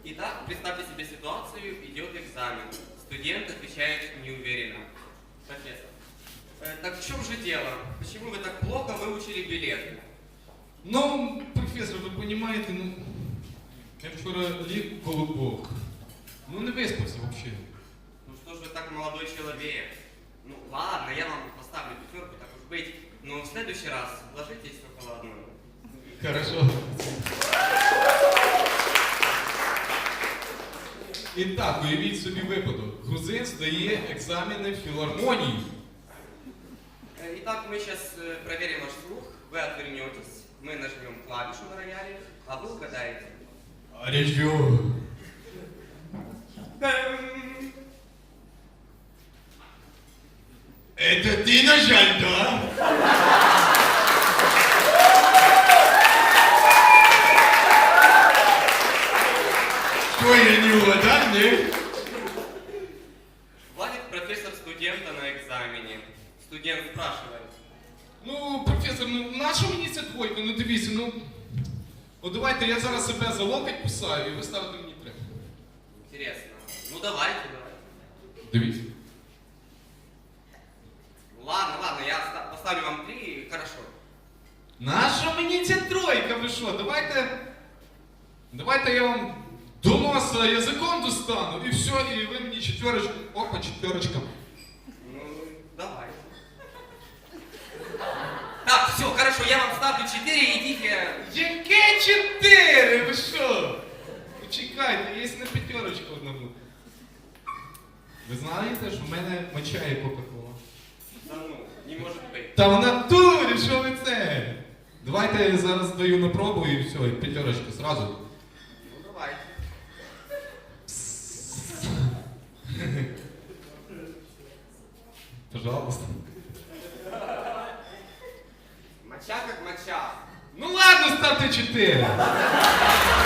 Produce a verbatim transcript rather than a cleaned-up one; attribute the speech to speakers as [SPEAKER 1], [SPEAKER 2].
[SPEAKER 1] Итак, представьте себе ситуацию, идет экзамен. Студент отвечает неуверенно. Профессор, э, так в чем же дело? Почему вы так плохо выучили билеты?
[SPEAKER 2] Ну, професор, ви розумієте, ну, я вчора ліг в колобок. Ну, не виспався взагалі.
[SPEAKER 1] Ну что ж вы так, молодой человек? Ну ладно, я вам поставлю пятерку, так уж быть. Но в следующий раз ложитесь в шоколадную.
[SPEAKER 2] Хорошо. І так, уявіть собі випадок. Грузин здає екзамени в філармонії.
[SPEAKER 1] Э, Итак, мы сейчас э, проверим ваш слух. Вы отвернетесь, мы нажмем клавишу на рояле, а вы угадаете.
[SPEAKER 2] Аріжо.
[SPEAKER 1] Эм,
[SPEAKER 2] Это ты нажал, да? Что, я не угадал, не?
[SPEAKER 1] Хвалит профессор студента на экзамене. Студент спрашивает.
[SPEAKER 2] Ну, професор, ну нащо мені ця двойка? Ну дивіться, ну. От давайте я зараз себе за локоть кусаю, і ви ставите мені три.
[SPEAKER 1] Интересно. Ну давайте, давайте.
[SPEAKER 2] Дивіться.
[SPEAKER 1] Ладно, ладно, я оста- поставлю вам три, хорошо.
[SPEAKER 2] Нащо мені ця тройка? Ви що? Давайте. Давайте я вам до носа язиком достану, і все, і ви мені четверочку. Опа, четверочка.
[SPEAKER 1] Ну, давай. Так, все, хорошо, я вам ставлю четыре, идите.
[SPEAKER 2] Яке чотири? Ви що? Почекайте, є на п'ятерочку одному. Ви знаєте, що в мене моча є Кока-Кола?
[SPEAKER 1] Да ну, не может быть.
[SPEAKER 2] Та в натурі, що ви це? Давайте я зараз даю на пробу і все, і п'ятерочка зразу.
[SPEAKER 1] Ну, давайте.
[SPEAKER 2] Пожалуйста.
[SPEAKER 1] Моча как моча.
[SPEAKER 2] Ну ладно, ставте чотири.